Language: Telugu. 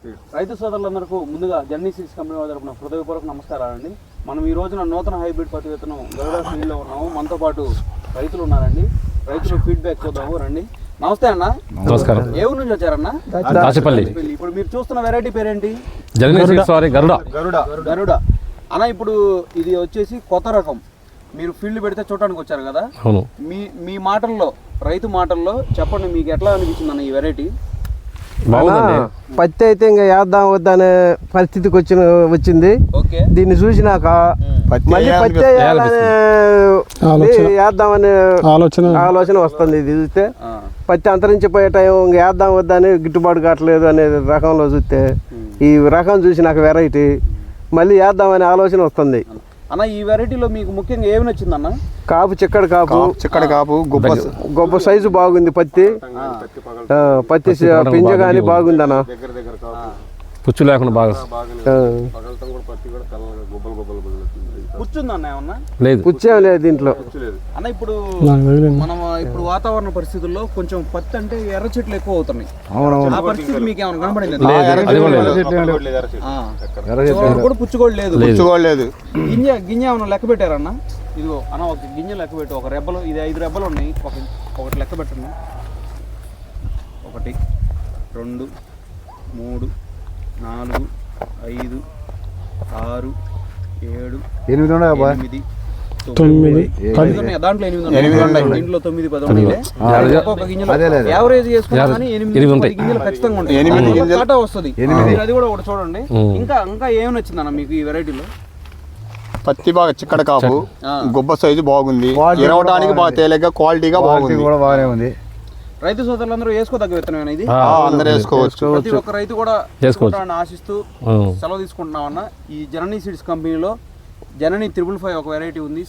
రైతు సోదరులందరికీ ముందుగా జర్నీ సీడ్స్ కంపెనీ వారి తరపున హృదయపూర్వక నమస్కారాలండి. మనం ఈ రోజున నూతన హైబ్రిడ్ పత్తి విత్తనం గరుడ ఫీల్డ్లో ఉన్నాము. మనతో పాటు రైతులు ఉన్నారండి. రైతులు ఫీడ్బ్యాక్ చూద్దాము రండి. నమస్తే అన్న. నమస్కారం. ఏ ఊరు నుంచి వచ్చారన్న? దాచిపల్లి. ఇప్పుడు మీరు చూస్తున్న వెరైటీ పేరేంటి? గరుడ అన్న. ఇప్పుడు ఇది వచ్చేసి కొత్త రకం. మీరు ఫీల్డ్ పెడితే చూడటానికి వచ్చారు కదా. అవును. మీ మాటల్లో, రైతు మాటల్లో చెప్పండి, మీకు ఎట్లా అనిపించింది అన్న ఈ వెరైటీ? పత్తి అయితే ఇంకా వేద్దాం వద్దనే పరిస్థితికి వచ్చింది. దీన్ని చూసినాక మళ్ళీ పత్తి వేద్దామనే ఆలోచన వస్తుంది. ఇది చూస్తే పత్తి అంతరించిపోయే టైం ఇంకా వేద్దాం వద్దని గిట్టుబాటు కావట్లేదు అనే రకంలో చూస్తే ఈ రకం చూసినాక వెరైటీ మళ్ళీ వేద్దామనే ఆలోచన వస్తుంది. అన్న, ఈ వెరైటీలో మీకు ముఖ్యంగా ఏమి నచ్చింది అన్న? కాపు చిక్కడి కాపు గొప్ప సైజు బాగుంది. పత్తి పింజ కానీ బాగుంది అన్న. పుచ్చు లేకుండా బాగా కూర్చుందన్న ఏమన్నా? లేదు, పుచ్చేం లేదు దీంట్లో అన్న. ఇప్పుడు మనం ఇప్పుడు వాతావరణ పరిస్థితుల్లో కొంచెం పత్తి అంటే ఎర్ర చెట్లు ఎక్కువ అవుతున్నాయి. ఆ పరిస్థితి మీకు ఏమైనా కనబడింది? కూడా పుచ్చుకోలేదు. గింజ ఏమన్నా లెక్క పెట్టారన్న? ఇదిగో అన్న, ఒక గింజ లెక్క పెట్టి, ఒక రెబ్బలు, ఇది 5 రెబ్బలు ఉన్నాయి. ఒకటి లెక్క పెట్టండి. 1 2 3 4 5 6 7 8 9 దాంట్లో 8 ఉన్నాయి. దీంట్లో 9 10 ఉన్నాయి. ఒక్కొక్క గింజలో యావరేజ్ చేసుకున్నా కానీ 8 గింజలు ఖచ్చితంగా ఉంటాయి. కాటా వస్తుంది. అది కూడా ఒకటి చూడండి. ఇంకా ఏమి నచ్చిందన్న మీకు ఈ వెరైటీలో? పత్తి బాగా చిక్కడ కాపు, గొప్ప సైజు బాగుంది, ఇరవడానికి బాగా తేలిగ్గా, క్వాలిటీగా బాగుంది. రైతు సోదరులందరూ వేసుకోదగ్గ విత్తనం ఇది. అందరూ వేసుకోవచ్చు. ప్రతి ఒక్క రైతు కూడా వేసుకోవాలని ఆశిస్తూ సెలవు తీసుకుంటున్నామన్న. ఈ జననీ సీడ్స్ కంపెనీలో జననీ 555 ఒక వెరైటీ ఉంది.